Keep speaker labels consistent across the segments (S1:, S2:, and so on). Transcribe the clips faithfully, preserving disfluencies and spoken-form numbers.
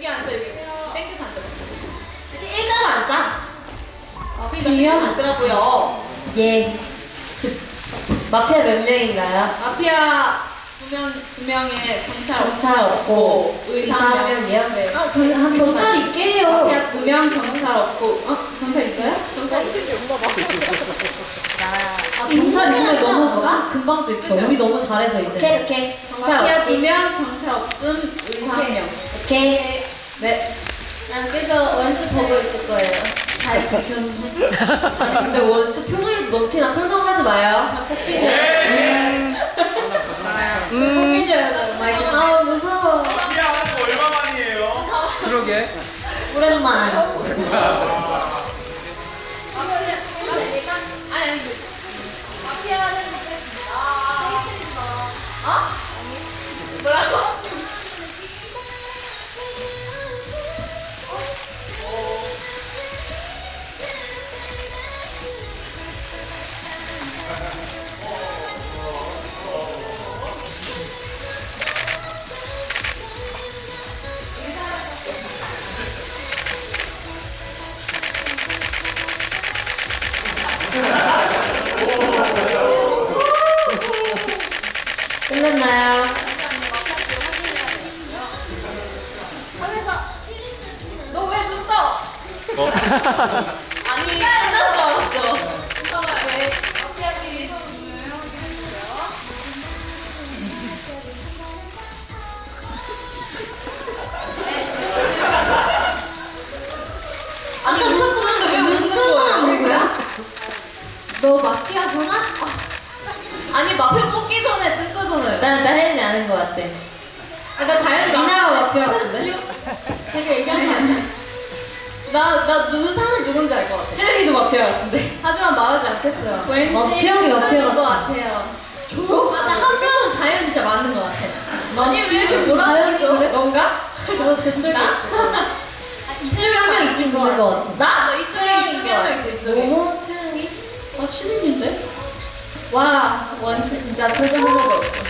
S1: 앉아 여기. 땡겨서 앉아.
S2: 일자로 앉아.
S1: 아, 그러니까 땡겨서 앉으라고요.
S2: 예. 마피아 몇 명인가요?
S1: 마피아 두 명, 두 명의 경찰
S2: 경찰 없고
S1: 의사
S2: 의사
S1: 한
S2: 한
S1: 명.
S2: 명이요?
S1: 네.
S2: 아, 저희 한 경찰 있게 해요.
S1: 마피아 두 명, 경찰 없고. 어? 경찰 있어요? 경찰 있어요.
S2: 아, 경찰 있으면 너무 금방 됐죠.
S1: 그죠?
S2: 우리 너무 잘해서 이제. 오케이, 오케이.
S1: 마피아 두 명, 경찰 없음, 의사 한 명.
S2: 오케이.
S1: 네.
S2: 난 그래서 원스 보고 있을 거예요. 잘 지켜서. 아니, 근데 원스 표정에서 너무 티나. 편성하지 마요.
S3: 음.
S2: 아, 무서워.
S4: 마피아 하는 거 얼마 만이에요?
S3: 그러게.
S2: 오랜만.
S1: 아니 아니 마피아는 이제 아 어? 뭐라고?
S2: 끝났나요?
S1: 너 왜 눈 떠?
S4: 어?
S1: 아니 끝난 줄 알았어. 잠깐만 왜 마피아끼리 눈을 해주세요.
S2: 아까 눈 보는데 왜 웃는 거야? 누구야? 너 마피아구나?
S1: 아니 마피아 뽑기 전에 뜬거 전에.
S2: 난 다현이 아는 것 같아. 아까 다현이 미나가 마피아 같은데?
S1: 제가 얘기한 거 아니야? 나나 눈사는 누군지 알 것 같아.
S2: 채영이도 마피아 같은데?
S1: 하지만 말하지 않겠어요.
S2: 왠지 어, 채영이 마피아
S1: 것
S2: 같아.
S1: 같아요.
S2: 저요? 아, 나한 명은 다현이 진짜 맞는 것 같아.
S1: 아니 왜 이렇게 뭐라
S2: 다현이
S1: 그러죠?
S2: 그래?
S1: 넌가?
S2: 너 저쪽에
S1: 나?
S2: 이쪽에 한 명 있긴 있는 것 같아.
S1: 나? 너 이쪽에 이쪽에 하나 있어 이쪽에.
S2: 모모 채영이?
S1: 아 시민인데? 와 원스 진짜 표정 하나도 없어.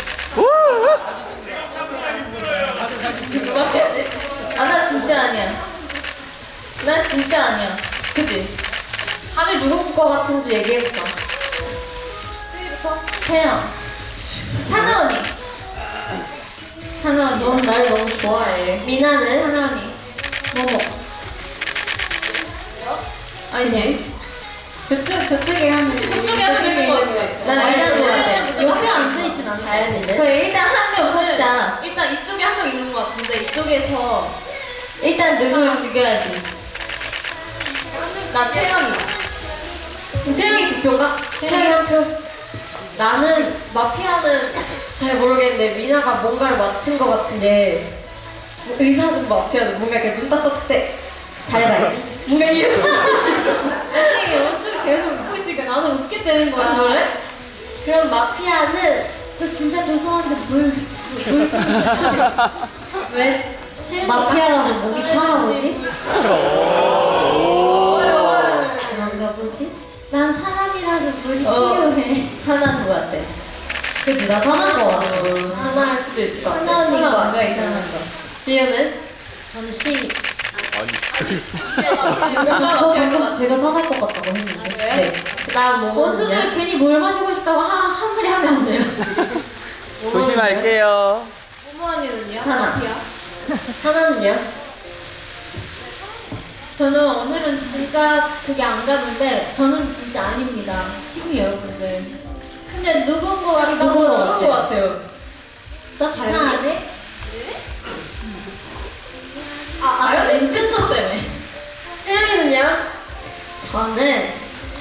S1: 마피아지?
S2: 아, 나 진짜 아니야. 난 진짜 아니야. 그지? 다들 누구 거 같은지 얘기해볼까?
S1: 쓰리부터?
S2: 태영. 사나 언니. 사나 언니. 넌 날 너무 좋아해. 미나는? 사나 언니. 모모. 아니네.
S1: 저쪽 저쪽에 하는 저쪽에 하는
S2: 저쪽에
S1: 있는 거
S2: 있는
S1: 같아.
S2: 난 미나는 것 같아.
S1: 옆에
S2: 옆에 앉아있진 않아. 다현이는? 그 일단 한 명 뽑자.
S1: 일단 이쪽에 한 명 있는 거 같은데 이쪽에서
S2: 일단 누굴 죽여야지.
S1: 나 채영이.
S2: 그럼 채영이 투표인가? 채영이 한 표. 나는 마피아는 잘 모르겠는데 미나가 뭔가를 맡은 것 같은 게 의사든 마피아든 뭔가 이렇게 눈 딱 떴을 때 잘해봐야지. 뭔가 이런 생각이 있었어.
S1: 아니 어떻게 계속 웃고 있으니까 나는 웃게 되는 거야.
S2: 아, 그래? 그럼 마피아는 저 진짜 죄송한데 물, 물 왜? 마피아라서 목이 타나 보지? 그런가 보지? 난 사람이라서 물이
S1: 어.
S2: 필요해. 사나인 것 같아. 그치, 나 사나인 것 같아. 사나할 수도 있을 것 같아.
S1: 사나 언니가
S2: 사나
S1: 뭔가
S2: 이상한 거. 지우는? 저는 시.
S1: 뭔가
S2: 저
S1: 마피아인 것
S2: 방금
S1: 같아.
S2: 제가 사나일 것 같다고 했는데.
S1: 아, 그래요?
S2: 네. 그다음 뭐 원수들 괜히 물 마시고 싶다고 한, 한 마리 하면 안 돼요.
S3: 조심할게요.
S1: 모모 언니는요?
S2: 사나.
S1: 마피아?
S2: 사나는요?
S5: 저는 오늘은 진짜 그게 안 가는데 저는 진짜 아닙니다. 시민 여러분들. 근데 누군 거 같다고
S2: 누군 거
S1: 누군 거 같아요?
S5: 나 이상하네? 아, 아까
S1: 아니,
S5: 렌즈선 때문에.
S2: 채영이는요? 저는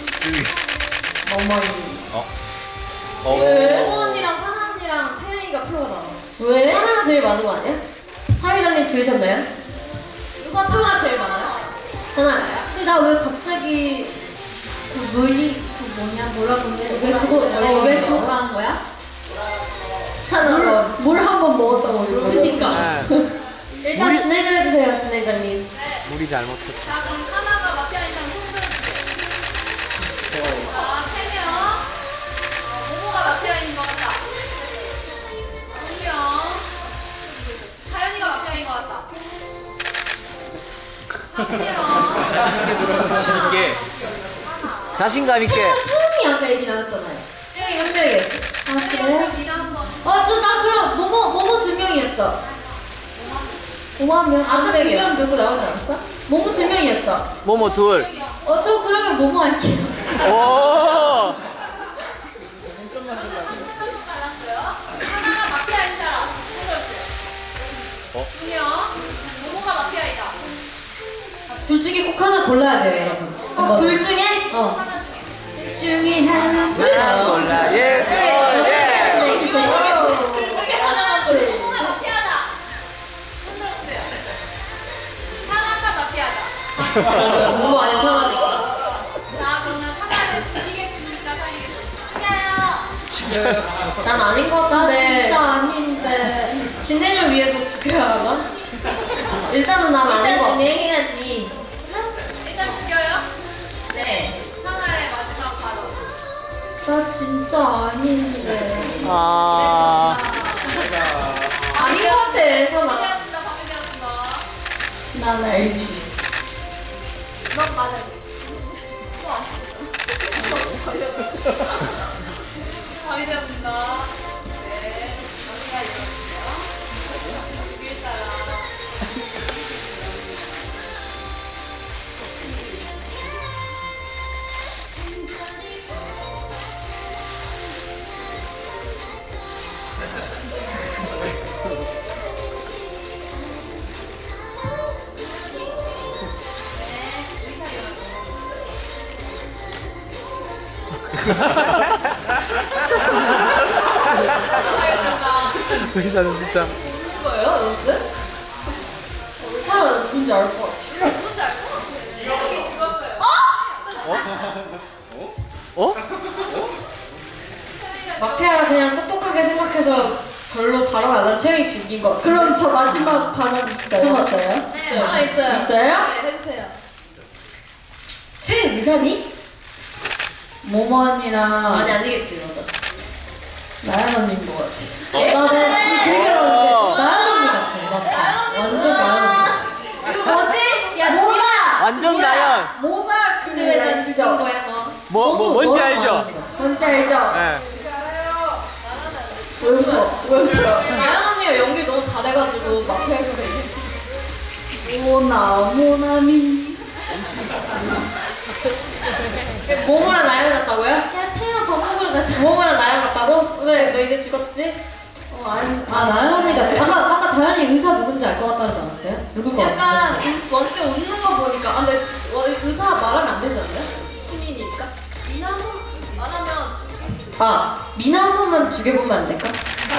S2: 어머니.
S3: 어?
S1: 모모 언니랑 사나 언니랑 채영이가 표가 나와.
S2: 왜? 사나가 제일 많은 거 아니야? 사회자님 들으셨나요?
S1: 누가 표가 제일 많아요?
S2: 사나.
S5: 근데 나 왜 갑자기 그 물리 그 뭐냐 뭐라고 해? 왜 그거
S2: 어,
S5: 왜
S2: 왜
S5: 그거
S2: 그거
S5: 한 거야?
S2: 사나 너.
S5: 물 한 번 먹었다고 이러고.
S1: 그니까.
S2: 일단 진행을 해주세요, 진행자님.
S3: 물이 잘못했어.
S1: 자 그럼 사나가 마피아인 사람 손 들어주세요. 자, 세 명. 어, 모모가 마피아인 것 같다. 두 명. 다현이가 마피아인 것 같다.
S3: 자신 있게. 자신감 있게.
S5: 태연이 아까 얘기 나왔잖아요.
S2: 채영이 한 명이었어.
S5: 아 그래요?
S1: 미나 한번.
S5: 어, 저 나 그럼 모모 모모 두 명이었죠. 오만 명. 아까 두 명 누구 나오지 않았어? 모모 두 명이었죠.
S3: 모모 둘.
S5: 어, 저 그러면 모모 할게요.
S3: 오.
S1: 알았어요. 하나가 마피아인 사람. 손들어주세요.
S3: 어?
S1: 두 명. 모모가 마피아이다.
S5: 둘 중에 꼭 하나 골라야 돼요, 여러분.
S2: 어, 둘 중에?
S5: 어.
S1: 하나 중에.
S5: 둘 중에 하나.
S3: 나 몰라. 예.
S2: 네,
S3: 예.
S2: 진행해주세요.
S1: 저기 하나가 모모가 마피아다. 손들어주세요. 하나가 마피아다.
S2: 뭐 안 쳐다니까.
S1: 자, 그러면 하나를 죽이겠습니까? 살리겠습니까? 죽여요.
S2: 난 아닌 것
S5: 나
S2: 같은데.
S5: 진짜 아닌데.
S2: 진행을 위해서 죽여야 하나? 일단은 난 아닌 것 같아. 진행해야지.
S1: 일단 죽여요.
S2: 네.
S1: 하나의 마지막 발언.
S5: 나 진짜 아닌데.
S3: 아.
S2: 아닌 것 같아, 선아.
S1: 밤이 되었습니다. 밤이 되었습니다.
S5: 난 알지.
S1: 넌 맞아. 또 걸렸어. 밤이 되었습니다. 네. 여기가 이렇게요. 죽일 사람. 하겠습니다.
S3: 의사는 진짜.
S2: 뭐예요, 연습?
S5: 사연 누군지 알 것 같아.
S1: 누군지 알고? 세영이 죽었어요.
S3: 어?
S2: 마피아가 그냥 똑똑하게 생각해서 별로 발언 안 한 채영이 죽인 것 같아.
S5: 그럼 저 마지막 발언 진짜 해봤어요?
S1: 네, 하나 있어요.
S5: 있어요?
S1: 네, 해주세요.
S2: 채영 의사니?
S5: 모모언니랑
S2: 아니, 아니겠지, 맞아.
S5: 나연 언니인 것 같아.
S2: 에?
S5: 나는 지금 그 얘기를 하는데
S3: 어.
S5: 나연 언니 같아. 맞다. 완전 나연 언니.
S2: 이거 뭐지?
S5: 야, 지아!
S3: 완전 나연.
S5: 뭐가 근데 왜 난 죽인 거야, 너?
S3: 뭐, 뭐 뭔지
S5: 너랑
S3: 알죠?
S5: 나연이다. 뭔지 알죠?
S3: 예.
S5: 왜 웃어? 왜 웃어?
S2: 나연 언니가 연기 너무 잘해가지고 마피아에서
S5: 모나, 모나미.
S2: 모모랑 나연 같다고요?
S5: 야, 태연아 밥 먹으러 가자.
S2: 모모랑 나연 같다고? 왜? 너 이제 죽었지?
S5: 어, 아니, 아, 나연 언니가 아까 아까 다현이 의사 누군지 알 것 같다 그러지 않았어요? 누굴 것 같아?
S2: 약간 우- 원스 웃는 거 보니까 아 근데 어, 의사 말하면 안 되지 않나요? 시민이니까?
S1: 미나 한 번 안 하면 죽겠습니다.
S2: 아 미나 한 번만 죽여보면 안 될까?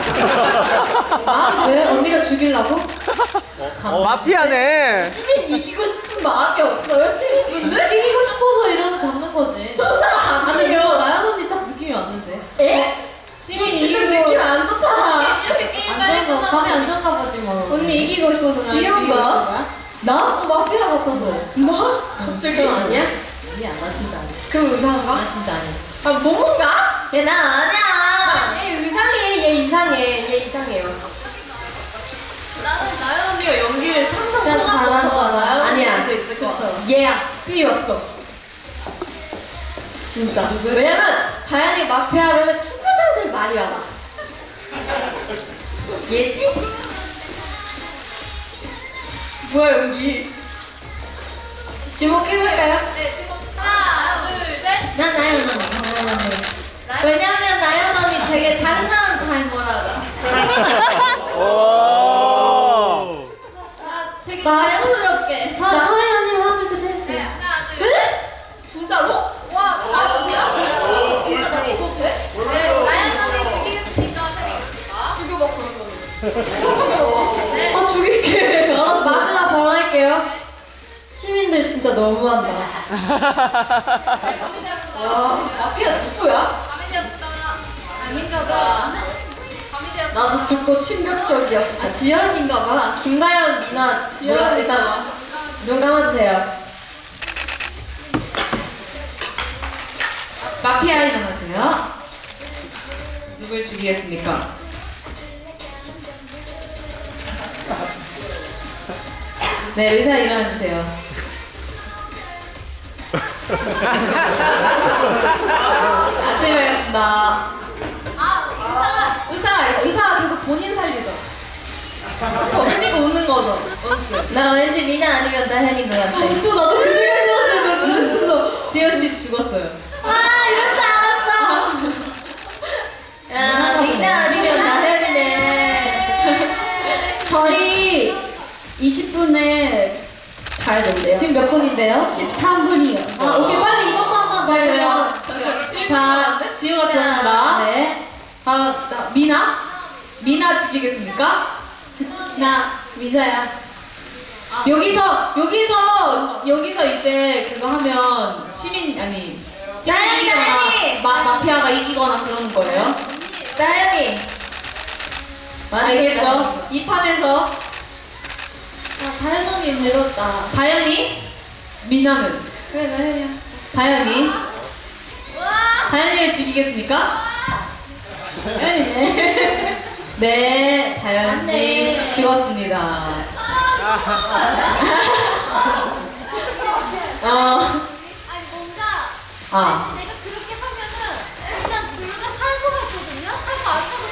S5: 아, 왜 언니가 죽이려고?
S3: 어, 마피아네.
S2: 시민 이기고 싶은 마음이 없어요 시민분들?
S5: 이기고 싶어서 이런 잡는 거지.
S2: 저는
S5: 아니
S2: 아니에요.
S5: 뭐 나연 언니 딱 느낌이 왔는데.
S2: 에?
S5: 시민
S2: 지금
S5: 이기고
S2: 느낌 안 좋다.
S1: 이렇게 게임
S5: 안정가 감이 안정가 보지 뭐. 언니 이기고 싶어서 나
S2: 지은
S5: 죽이고
S2: 거야?
S5: 싶은 거야? 나? 어, 마피아 같아서.
S2: 뭐? 갑자기 아니야?
S5: 아니야, 나 진짜 아니야.
S2: 그 의사인가?
S5: 나 진짜 아니야.
S2: 아 모모인가? 얘 난 아니야. 얘 이상해. 얘 이상해. 얘 이상해요. 나는 나연 언니가 연기를 상상
S5: 진짜 잘하는 거야.
S2: 아니야.
S5: 수도 있을 것 같아.
S2: 얘야. 삐 왔어. 진짜. 왜냐면 다현이 마피아로는 투구장들 말이 많아. 얘지? 뭐야 연기? 지목해볼까요?
S1: 네, 지금 하나, 둘, 셋.
S5: 난 나연 언니. 왜냐면 나연 언니 되게 다른 사람 잘 몰아가.
S3: 오.
S5: 되게
S2: 자연스럽게.
S5: 서, 서혜나님 하나 둘셋
S1: 네,
S5: 했어요.
S1: 하나, 둘,
S2: 에?
S1: 셋.
S2: 진짜로? 와, 나 진짜? 진짜 나 죽어도 돼?
S1: 네, 나연 언니 죽이겠습니까? 살리겠습니까?
S2: 죽여봐 그러면.
S1: 네.
S2: 아 죽일게. 알았어. 마지막 발언할게요. 시민들 진짜 너무한다.
S1: 네, 밤이 되었습니다.
S2: 와, 마피아 누구야?
S1: 밤이 되었습니다.
S5: 아닌가 봐.
S1: 밤이 되었습니다.
S2: 나도 듣고 충격적이었어.
S5: 아, 지연인가 봐.
S2: 김다현, 미나, 뭐야 일단 눈 감아주세요.
S5: 마피아 일어나세요. 누굴 죽이겠습니까? 네, 의사 일어나주세요.
S2: 아침에 뵙겠습니다.
S1: 아,
S2: 의사가 의사가 계속 본인 살리죠. 저 그니까 웃는 거죠. 원스. 나 왠지 미나 아니면 다현이 것 같아. 또 나도 그 생각 들었어요. 지효 씨 죽었어요. 아 이럴 줄 알았어. 야 미나 아니면 다현이네.
S5: 저희 이십 분에
S2: 가야 된대요.
S5: 지금 몇 분인데요? 십삼 분이요. 아, 오케이. 빨리 이번 번 한번
S2: 그래요.
S5: 봐요.
S2: 자 지효가 죽었습니다.
S5: 네.
S2: 아 나, 미나? 미나 죽이겠습니까? 나 미사야. 여기서 여기서 여기서 이제 그거 하면 시민 아니 시민이 이기거나 마, 마피아가 이기거나 그러는 거예요. 나연이 알겠죠? 이 판에서
S5: 아, 다현 언니 늙었다.
S2: 다현이 미나는
S5: 그래, 나현이야.
S2: 다현이 다현이를 죽이겠습니까? 네, 다현 씨
S5: 네.
S2: 죽었습니다. 어,
S1: 아니 뭔가
S2: 아.
S1: 왠지 내가 그렇게 하면은 일단 둘 다 살 것 같거든요? 살 거 아니라고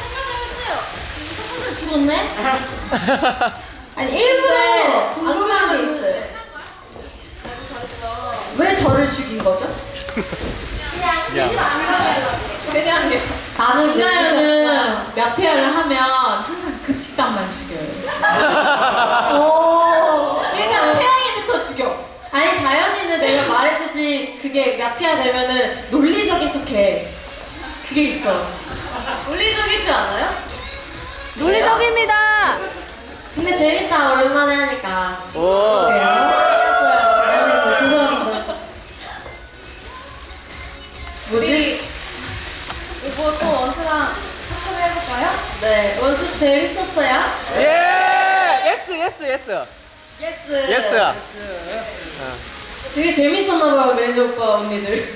S1: 생각을 했어요. 첫 번째 죽었네?
S5: 아니, 일부러
S2: 궁금한 게 있어요. 왜 저를 죽인 거죠? 그냥요.
S5: 나는 왜
S2: 김나연은 마피아를 하면 항상 급식당만 죽여요.
S5: 오.
S2: 일단 채영이부터 죽여. 아니 다현이는 내가 말했듯이 그게 마피아 되면은 논리적인 척해. 그게 있어. 논리적이지 않아요?
S3: 논리적입니다.
S2: 근데 재밌다 오랜만에 하니까.
S3: 오.
S5: 나는 뭐 죄송합니다.
S2: 뭐지?
S1: 이거 또 원수랑 한번 해볼까요?
S2: 네 원수 재밌었어요?
S3: 예. 예스 예스 예스.
S2: 예스.
S3: 예스.
S2: 되게 재밌었나봐요 매니저 오빠 언니들.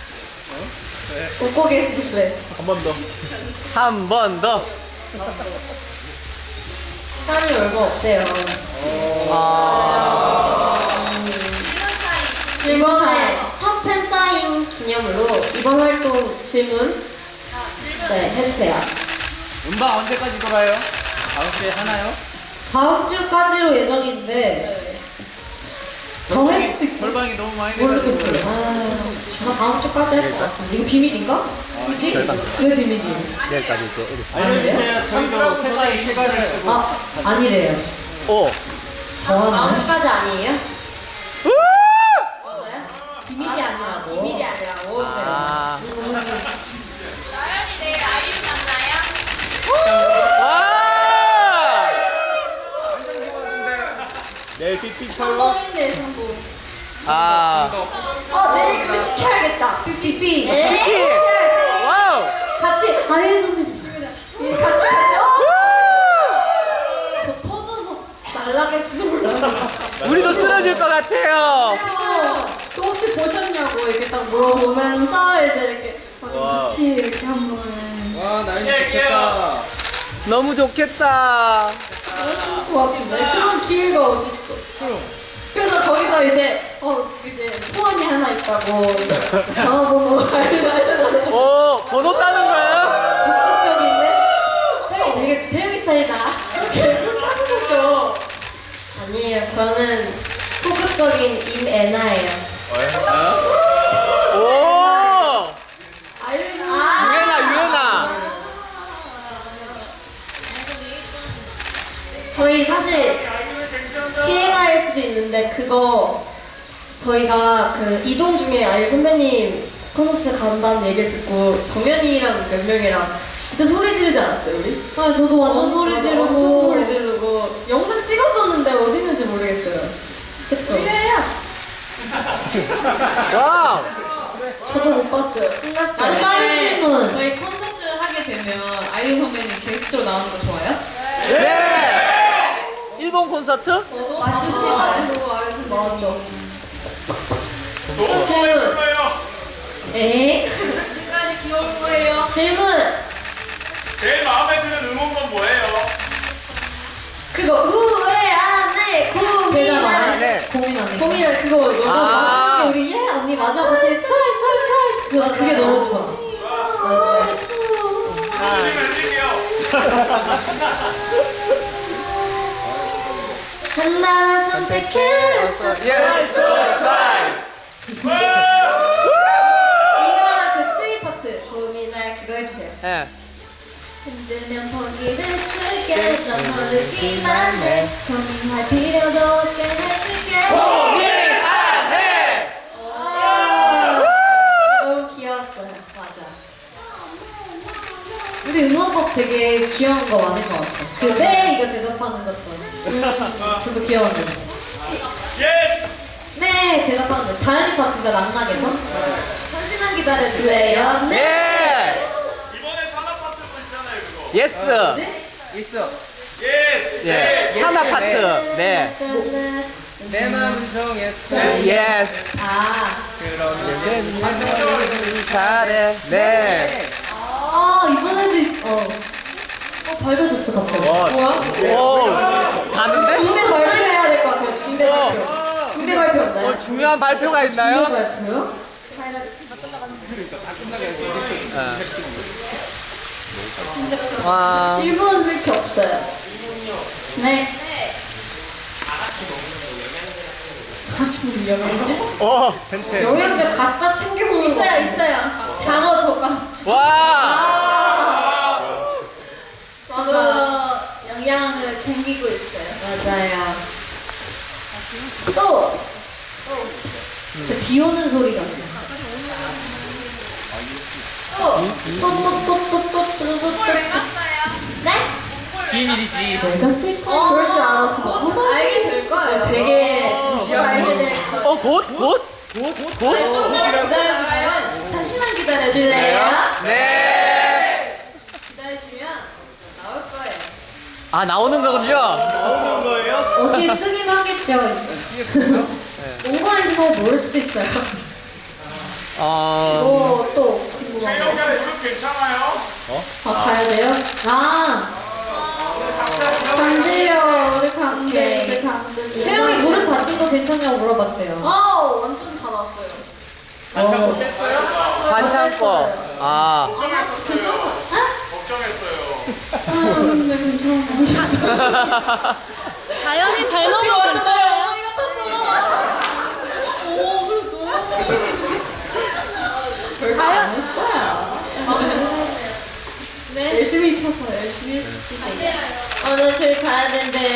S2: 웃고 계시길래.
S4: 한 번 더.
S3: 한 번 더.
S2: 시간이 얼마 없대요.
S3: 아.
S2: 이번에 첫 팬사인 기념으로 이번 활동 질문
S1: 아, 질문.
S2: 네 해주세요.
S6: 음방 언제까지 돌아요? 다음 주에 하나요?
S5: 다음 주까지로 예정인데 더 할 수도 있고
S6: 벌방이 너무 많이
S5: 모르겠어요.
S6: 돼가지고.
S5: 아, 나 다음 주까지 할 것 같은데 이거 비밀인가? 그지? 왜 비밀이에요?
S3: 내일까지 이제 어디?
S6: 알려주세요. 저희도 회사에 시간을 쓰고.
S5: 아, 아니래요.
S3: 오.
S5: 더
S2: 다음
S5: 하나요?
S2: 주까지 아니에요? 맞아요?
S5: 비밀이 아니라고.
S2: 비밀이 아니라고.
S3: 아.
S1: 나연이 내일 아이유 만나요?
S3: 와.
S4: 내일 삑삑철로.
S5: 성공인데 성공.
S3: 아.
S2: 어 내일 그거 시켜야겠다.
S5: 삐삐.
S2: 네.
S3: 와우.
S5: 같이 아예 선배님.
S2: 같이 같이. 어? 저 터져서 날라갈지도 몰라요.
S3: 우리도 쓰러질 것 같아요.
S2: 또 혹시 보셨냐고 이렇게 딱 물어보면서 이제 이렇게
S4: 와.
S2: 같이 이렇게 한번.
S6: 와, 나연이 좋겠다.
S3: 너무 좋겠다.
S2: 것 같은데 그런 기회가 어딨어? 그래서 거기서 이제 어 이제 소원이 하나 있다고 전화번호 알려달라고.
S3: 오, 번호 따는 거예요?
S2: 적극적인데 채영이 되게 채영이 스타일이다 이렇게 하는 거죠. 아니에요 저는 소극적인 임애나예요.
S3: 오.
S2: 알려줘.
S3: 유연아, 유연아.
S2: 저희 사실 티엠아이일 수도 있는데 그거 저희가 그 이동 중에 아이유 선배님 콘서트 간다는 얘기를 듣고 정연이랑 몇 명이랑 진짜 소리 지르지 않았어요 우리?
S5: 아, 저도 완전 소리
S2: 맞아,
S5: 지르고.
S2: 엄청 소리 지르고 영상 찍었었는데 어디 있는지 모르겠어요. 그쵸?
S3: 와우.
S2: 저도 못 봤어요. 끝났어요.
S5: 아니, 다른 질문.
S2: 저희 콘서트 하게 되면 아이유 선배님 게스트로 나오는 거 좋아요?
S3: 네. 일본 콘서트?
S2: 와주시가지고 아이유 선배님 맞죠. 또 질문.
S4: 예뻐요.
S2: 에이? 끝까지 귀여울 거예요. 질문.
S4: 제일 마음에 드는 응원건 뭐예요?
S2: 그거 우회 안에
S5: 대답 안
S2: 고민하는
S3: 네.
S5: 해. 고민 안 해.
S2: 고민은 그거 너무
S3: 아.
S5: 나중에 우리 예 언니 맞아 같이 트와이스 트와이스 그거 그게 너무 좋아. 맞아요.
S4: 선생님 해드릴게요.
S2: 하나만 선택했어.
S3: 예스
S2: 이거랑 그 트윗 파트 고민할 그거 해주세요.
S3: 예.
S2: 흔들면 포기를 줄게 좀 모르기만 해 고민할 필요도 없게 해줄게.
S3: 고민하네.
S2: 와, 너무 귀여웠어요. 맞아.
S5: 우리 응원법 되게 귀여운 거 많을 것 같아. 그네 이거 대답하는 것도. 음, 그거 귀여웠는데.
S4: 예.
S5: 네 대답하는 거. 다현이 파트가 낙낙해서.
S2: 잠시만 기다려줄래요?
S3: 예.
S4: 이번에 산업 파트도 있잖아요, 그거.
S3: 예스.
S6: 있어.
S4: 예.
S3: 예. 하나 파트. 네.
S6: 내 마음은 정했어.
S3: 예스.
S5: 아.
S3: 그러면 잘해. 네.
S5: 아 이번에도 어. 어 발표됐어 갑자기.
S3: 와. 오. 가는데?
S2: 중대 발표해야 될 것 같아요. 중대 발표. 중대 발표 없나요?
S3: 어, 중요한 발표가 있나요?
S5: 중대 발표요?
S3: 와.
S5: 질문 왜 이렇게 없어요? 네. 같이 보면 위험해지?
S3: 어. 텐트.
S2: 영양제 갖다 챙겨 먹는 거.
S5: 있어요 있어요. 장어 덮밥.
S3: 와.
S5: 저도 영양을 챙기고 있어요.
S2: 맞아요.
S5: 또! 진짜 비 오는 소리가 나요. 또! 또, 또, 또, 또, 또, 또, 또, 또, 또. 네?
S6: 비밀이지.
S5: 내가 쓸까?
S2: 어,
S5: 그럴 줄 알았어.
S2: 곧
S5: 어,
S2: 알게 될 거예요. 되게
S5: 곧 알게 될 거야.
S3: 어, 곧? 곧? 곧? 곧?
S2: 조금만 기다려주면 잠시만 기다려줄래요?
S3: 네.
S2: 기다리시면 나올 거예요.
S3: 아, 나오는 거군요.
S4: 나오는 거예요?
S5: 어디에 뜨긴 하겠죠.
S2: 온 거인지 잘 모를 수도 있어요.
S3: 어.
S5: 뭐, 또, 궁금한 거.
S4: 태영이 무릎 괜찮아요?
S5: 아, 가야 돼요? 아!
S2: 강제요, 우리 강제.
S5: 이제 태영이 무릎 다친 거 괜찮냐고 물어봤어요.
S2: 어, 완전 다 났어요.
S4: 반창고 뺐어요?
S3: 반창고. 아.
S4: 걱정했었어요. 걱정했어요.
S5: 아, 근데 괜찮아.
S1: 다현이 발목은
S2: 지금 완전
S1: 괜찮아요?
S2: 어머니 같았어. 오, 그래도. 별거 안 했어요. 네? 열심히 쳐서 열심히 했지. 오늘 저희 가야 된대요.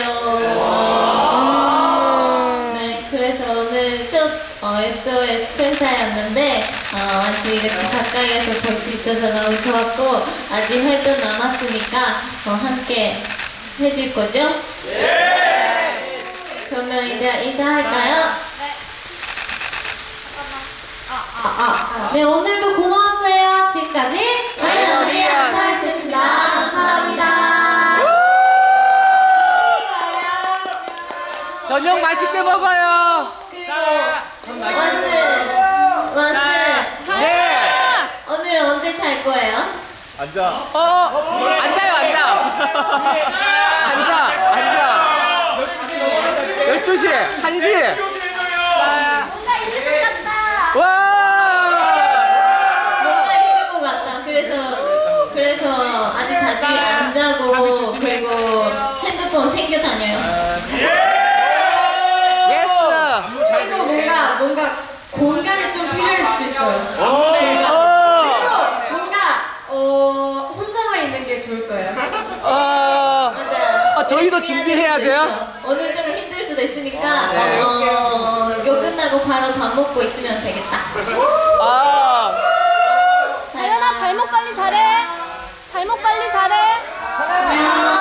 S2: 네, 그래서 오늘 첫 어, 에스오에스 팬사였는데 어, 아직 이렇게 가까이에서 볼 수 있어서 너무 좋았고 아직 활동 남았으니까 어, 함께 해줄 거죠? 네! 그러면 이제 인사할까요?
S5: 아, 아. 네, 오늘도 고마웠어요. 지금까지
S2: 다현이 감사했습니다. 감사합니다.
S3: 저녁 맛있게 먹어요.
S2: 그리고 원스 원스
S3: 네.
S2: 오늘 언제 잘 거예요?
S4: 앉아.
S3: 어, 어. 앉아요, 앉아. 앉아, 앉아. 열두 시, 한 시.
S2: 뭔가 있을 것 같다.
S3: 와!
S2: 뭔가 있을 것 같다. 그래서 그래서 아직 자주 안 자고 그리고 핸드폰 챙겨 다녀요.
S3: 예스.
S2: 그리고 뭔가 뭔가 공간이 좀 필요할 수도 있어요.
S3: 오.
S2: 그리고 뭔가 어 혼자만 있는 게 좋을 거예요.
S3: 어.
S2: 맞아.
S3: 아, 저희도 준비해야 돼요?
S2: 오늘 좀 힘들 수도 있으니까
S3: 네.
S2: 어, 이거 끝나고 바로 밥 먹고 있으면 되겠다.
S3: 아.
S1: 다현아 발목 관리 잘해. 발목 관리 잘해.
S2: 안녕.